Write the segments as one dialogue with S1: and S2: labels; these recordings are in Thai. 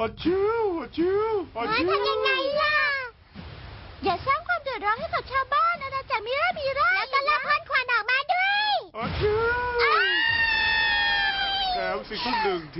S1: อาชิวอาชิวอาชิว
S2: ทำยังไงล่ะอย่าสร้างความเดือดร้อนให้กับชาวบ้านนะจ๊ะมิราแล้วก็ละพ่นควันออกมาด้วย
S1: อาชิวแถมสิทุกหนึ่งที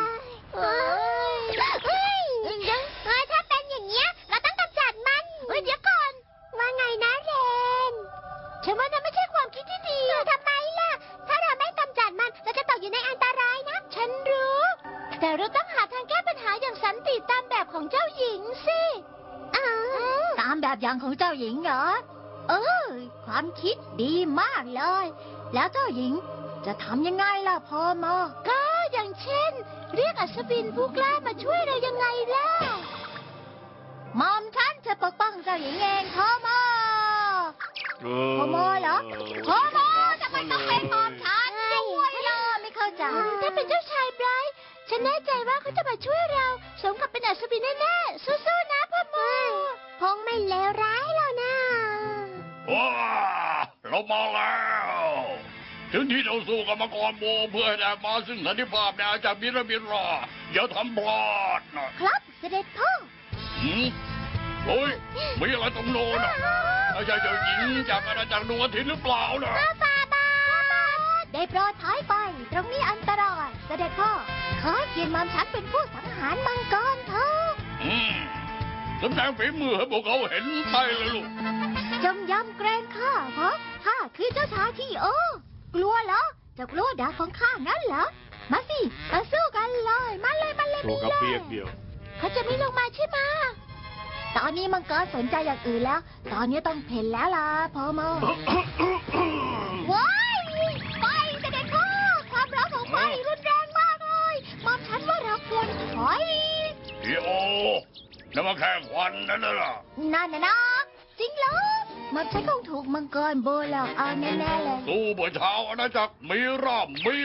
S2: ถ้าเป็นอย่างเงี้ยเราต้องกำจัดมันเดี๋ยวก่อนว่าไงนะเรนฉันว่านั่นไม่ใช่ความคิดที่ดีทำไมล่ะถ้าเราไม่กำจัดมันเราจะตกอยู่ในอันตรายนะฉันรู้แต่เราต้องหาทางแก้ปัญหาอย่างสันติตามแบบของเจ้าหญิงสิตามแบบอย่างของเจ้าหญิงเหรอความคิดดีมากเลยแล้วเจ้าหญิงจะทำยังไงล่ะพ่อมอก็อย่างเช่นเรียกอัศวินผู้กล้ามาช่วยเรายังไงล่ะมอมฉันจะปกป้องเจ้าหญิงเองพ่อมอพ่อมอเหรอพ่อมอทำไมต้องเป็นมอมฉันด้วยล่ะไม่เข้าใจถ้าเป็นเจ้าชายไบรท์ฉันแน่ใจว่าเขาจะมาช่วยเราสมกับเป็นอัศวินแน่ๆสู้ๆนะพ่อมอคงไม่เลวร้ายหรอกนะ
S3: ว้าเรามาแล้วถึงที่เราสู้กับมังกรโบเพื่อให้ได้มาซึ่งสันติภาพในอาจารย์มิราอย่าทำพลาดนะครับ
S2: เสด็จพ่อ
S3: เฮ้ยมีอะไรตรงโน้นไม่ใช่เจ้าหญิงจากอาณาจักรดวงอาทิตย์หรือเปล่านะ
S2: ฟาบาได้โปรดถอยไปตรงนี้อันตรายเสด็จพ่อขอเกียรติมอมฉันเป็นผู้สังหารมังกรเถอะ
S3: แสดงฝีมือให้พวกเขาเห็นไปเลยลูก
S2: จงยำเกรงข้าเพราะข้าคือเจ้าชายที่กลัวเหรอจะกลัวดาบของข้างั้นเหรอมาสิมาสู้กันเลยมาเลย
S1: ตัวกระเปียกเดียว
S2: เขาจะไม่ลงมาใช่ไหมตอนนี้มังกรสนใจอย่างอื่นแล้วตอนนี้ต้องเพ่นแล้วล่ะพ่อมาว้ายไฟเสด็จพ่อความร้อนของไฟรุนแรงมากเลยมอมฉันว่าเราควรถอย
S3: พี่โอนั่นมาแค่ควันนั่นล่ะ
S2: นั่นนะจริงเหรอมอมฉันคงถูกมังกรโบหลอกเอาแน่ๆเลย
S3: สู้บนเช้าอาณาจักรมิรา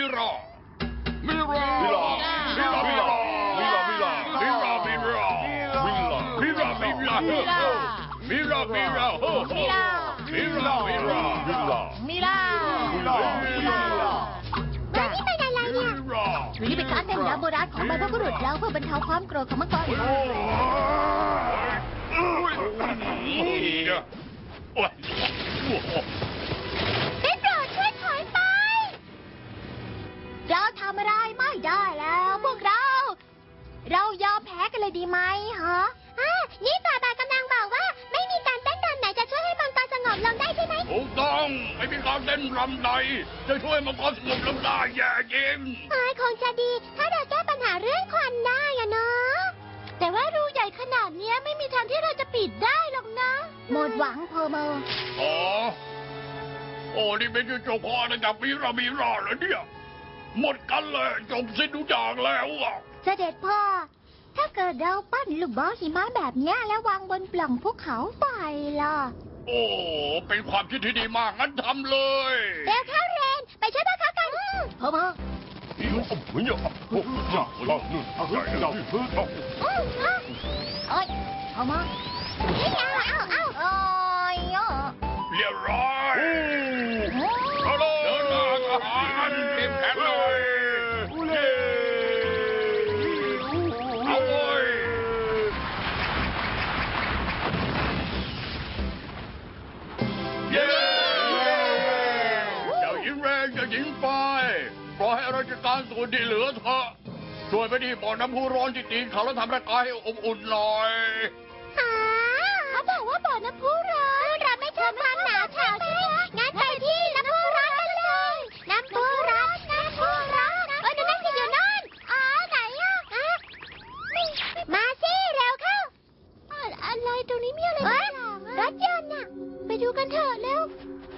S2: วันนี้เป็นการเต้นรำโบราณของบรรพบุรุษเราเพื่อบรรเทาความโกรธของมังกรได้โปรดช่วยถอยไปเราทำอะไรไม่ได้แล้วพวกเรายอมแพ้กันเลยดีไหมฮะนี่ฝ่าบาทกำลังบอกว่าไม่มีการเต้นรำไหนจะช่วยให้มังกรสงบลงได้ใช่ไหม
S3: ถูกต้องไม่มีการเต้นรำใดจะช่วยมังกรสงบลงได้แย่จริง
S2: คงจะดีถ้าเราแก้ปัญหาเรื่องควันได้อะเนาะแต่ว่ารูใหญ่ขนาดนี้ไม่มีทางที่เราจะปิดได้หรอกนะหมดหวังพอมา
S3: นี่เป็นจุดจบพอนะจากมิราเหรอเนี่ยหมดกันเลยจบสิ้นทุกอย่างแล้ว
S2: เสด็จพ่อถ้าเกิดเราปั้นลูกบอลหิมะแบบนี้แล้ววางบนปล่องภูเขาไฟล่ะ
S3: เป็นความคิดที่ดีมากงั้นทำเลย
S2: เร็วเข้าเรนไปช่วยพวกเขากันพ่อมาเฮ้ยพ่อมา
S3: เรียบร้อยเอาเลยเดินมาทหารเต็มแขนเลยเอาเลยเย้เจ้าหญิงแรงเจ้าหญิงไฟปล่อยให้ราชการส่วนที่เหลือเถอะช่วยไปที่บ่อน้ำพุร้อนที่ตีนเขาแล้วทำร่างกายให้อบอุ่นหน่อย
S2: เขาบอกว่าบ่อน้ำพุร้อนเราไม่ชอบความหนาวเฉาใช่ไหมงั้นไปที่น้ำพุร้อนกันเลยน้ำพุร้อนดูนั่นสิอยู่นั่นไหนมาสิเร็วเข้าอะไรตรงนี้มีอะไรบ้างรถยนต์น่ะไปดูกันเถอะเร็ว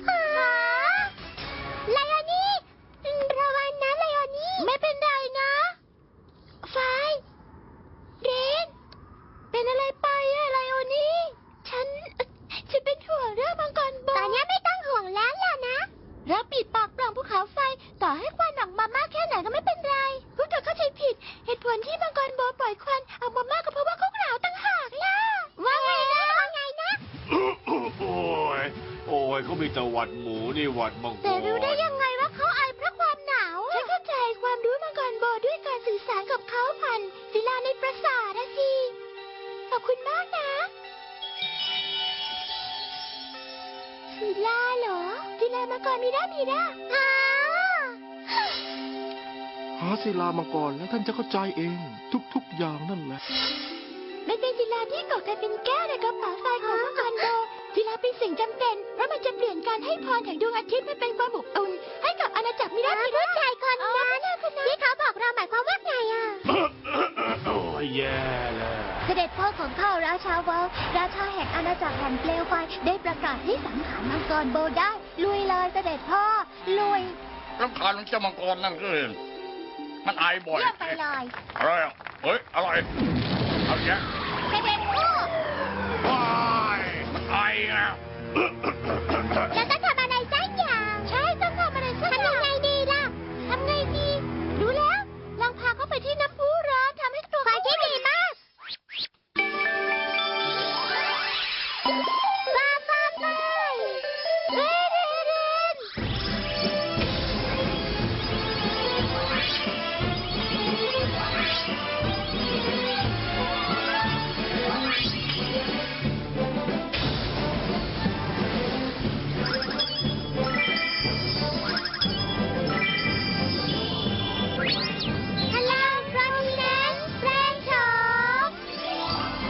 S2: ไลออนี่ระวังนะไลออนี่ไม่เป็นไรนะไฟเรนเป็นอะไรไปไลออนี่ฉันเป็นห่วงเรื่องมังกรโบตอนนี้ไม่ต้องห่วงแล้วล่ะนะเราปิดปากปล่องภูเขาไฟต่อให้ควันออกมามากแค่ไหนก็ไม่เป็นไรพวกเธอเข้าใจผิดเหตุผลที่มังกรโบปล่อยควันออกมามากก็เพราะว่าเขาหนาวต่างหากล่ะว่าไงนะ
S1: โอ้ยเขามีแต่หวัดหมูนี่หวัดมังกร
S2: แต่รู้ได้ยังไงว่าเขาไอเพราะความหนาวฉันเข้าใจความรู้มังกรโบด้วยการสื่อสารกับเขาผ่านศิลาในปราสาทมังกรมีราฮะ
S4: หาศิลามังกรแล้วท่านจะเข้าใจเอง ทุกๆอย่างนั่นแหละ
S2: มันเป็นศิลาที่ก่อกันเป็นแก้วในกระเป๋าทรายของมังกรโบศิลาเป็นสิ่งจำเป็นเพราะมันจะเปลี่ยนการให้พรแห่งดวงอาทิตย์ให้เป็นความอบอุ่นให้กับอาณาจักรมิราผู้ชายคนนั้นที่เขาบอกเราหมายความว่าไงอ่ะ
S1: โอ้ยแย่แล้ว
S2: เสด็จพ่อของข้าราชาวอลราชาแห่งอาณาจักรแห่งเปลวไฟได้ประกาศให้สังหารมังกรโบได้ลุยเลยเสด็จพ่อลุย
S3: รำคาญของเจ้ามังกรนั่นคือมันไอบ่อย
S2: เยี่ยมไปเลย
S3: อะไรอ่ะเฮ้ย อะไรเอาแยะ
S2: เสด็จพ่อ
S3: ว้ายมันไออ่ะ
S2: แล้วต้องทำอะไรสักอย่างใช่ต้องทำอะไรสักอย่างทำยังไงดีล่ะทำไงดีรู้แล้วลองพาเขาไปที่น้ำพุร้อนทำให้ตัวเขาที่ดีมากไปเรนฮัลโหลพรอมิเนนซ์แปลงโฉม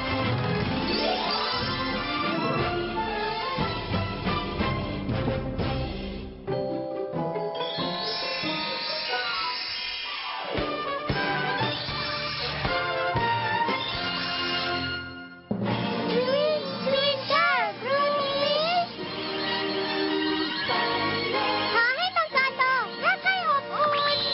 S2: ทวินเกอร์บรูนิสขอให้มังกรโตรักใคร่อบอุ่น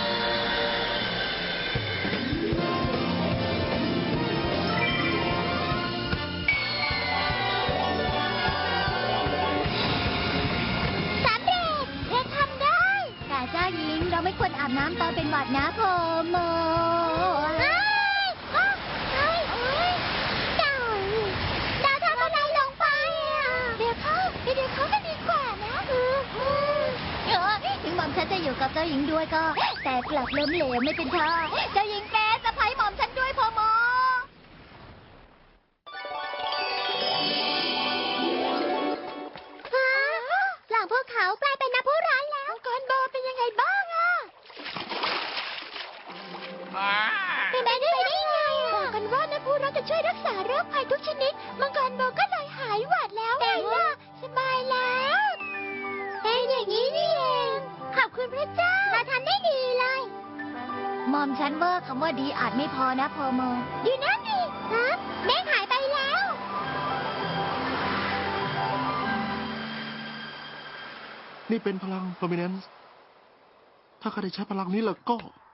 S2: สำเร็จเธอทำได้ แต่เจ้าหญิงเราไม่ควรอาบน้ำตอนเป็นหวัดนะพอโมเราทำอะไรลงไปอ่ะเดี๋ยวเขาก็ดีกว่านะถึงหม่อมฉันจะอยู่กับเจ้าหญิงด้วยก็ แต่กลับล้มเหลวไม่เป็นท่าเจ้าหญิงแป๊สะพ้ายหม่อมฉันด้วยพอโม หลังพวกเขากลายเป็นน้ำพุร้อนแล้วมังกรโบเป็นยังไงบ้างอะเป็นไปได้ไงบอกกันว่าน้ำพุร้อนจะช่วยรักษาโรคภัยทุกชนิดมังกรโบก็เลยหายหวัดแล้วแต่ว่าสบายแล้วเป็นอย่างนี้นี่เองขอบคุณพระเจ้าเราทำได้ดีเลยหม่อมฉันว่าคำว่าดีอาจไม่พอนะพอโมอยู่นั่นดิฮะแม่หายไปแล้ว
S4: นี่เป็นพลัง Prominence ถ้าข้าได้ใช้พลังนี้แล้วก็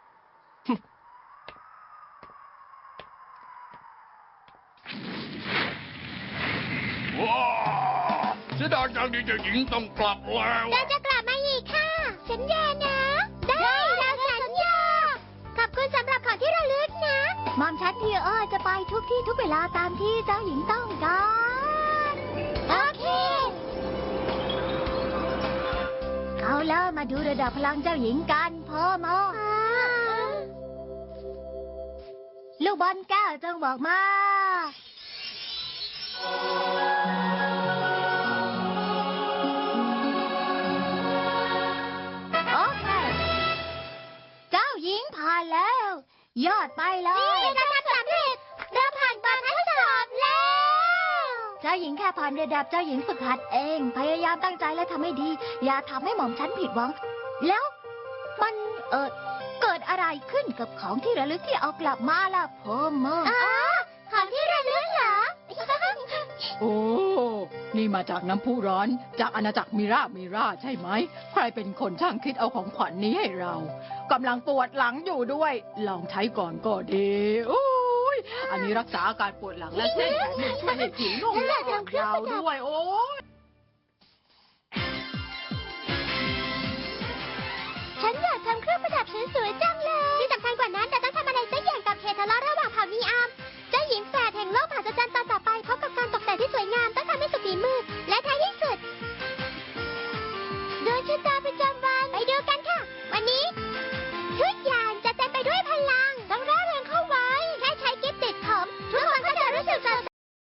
S3: ว้าวเสียดายจังที่เจ้าหญิงต้องกลับแล้ว
S2: เราจะกลับมาอีกค่ะ สัญญานะ ได้เราสัญญา ขอบคุณสำหรับของที่ระลึกนะมอมฉันพี่จะไปทุกที่ทุกเวลาตามที่เจ้าหญิงต้องการโอเค เอาแล้วมาดูระดับพลังเจ้าหญิงกันพ่อโมลูกบอลแก้วจงบอกมา โอเค เจ้าหญิงผ่านแล้ว ยอดไปเลยเราทำสำเร็จเราผ่านการทดสอบแล้ว เจ้าหญิงแค่ผ่านระดับเจ้าหญิงฝึกหัดเอง พยายามตั้งใจและทำให้ดี อย่าทำให้หม่อมฉันผิดหวัง แล้วมันเกิดอะไรขึ้นกับของที่ระลึกที่เอากลับมาล่ะพ่อโมของที่ระลึกเหรอ
S5: โอ้ นี่มาจากน้ำพุร้อน จากอาณาจักรมิราใช่ไหม ใครเป็นคนช่างคิดเอาของขวัญนี้ให้เรา กำลังปวดหลังอยู่ด้วย ลองใช้ก่อนก็ดี โอ้ย อันนี้รักษาอาการปวดหลังและเส้นแขนมันช่วยให้ผิวนุ่มและอ่อนยาวด้วย โอ้ย
S2: ฉันอยากทำเครื่องประดับสวยๆจังเลย ที่สำคัญกว่านั้นเราต้อง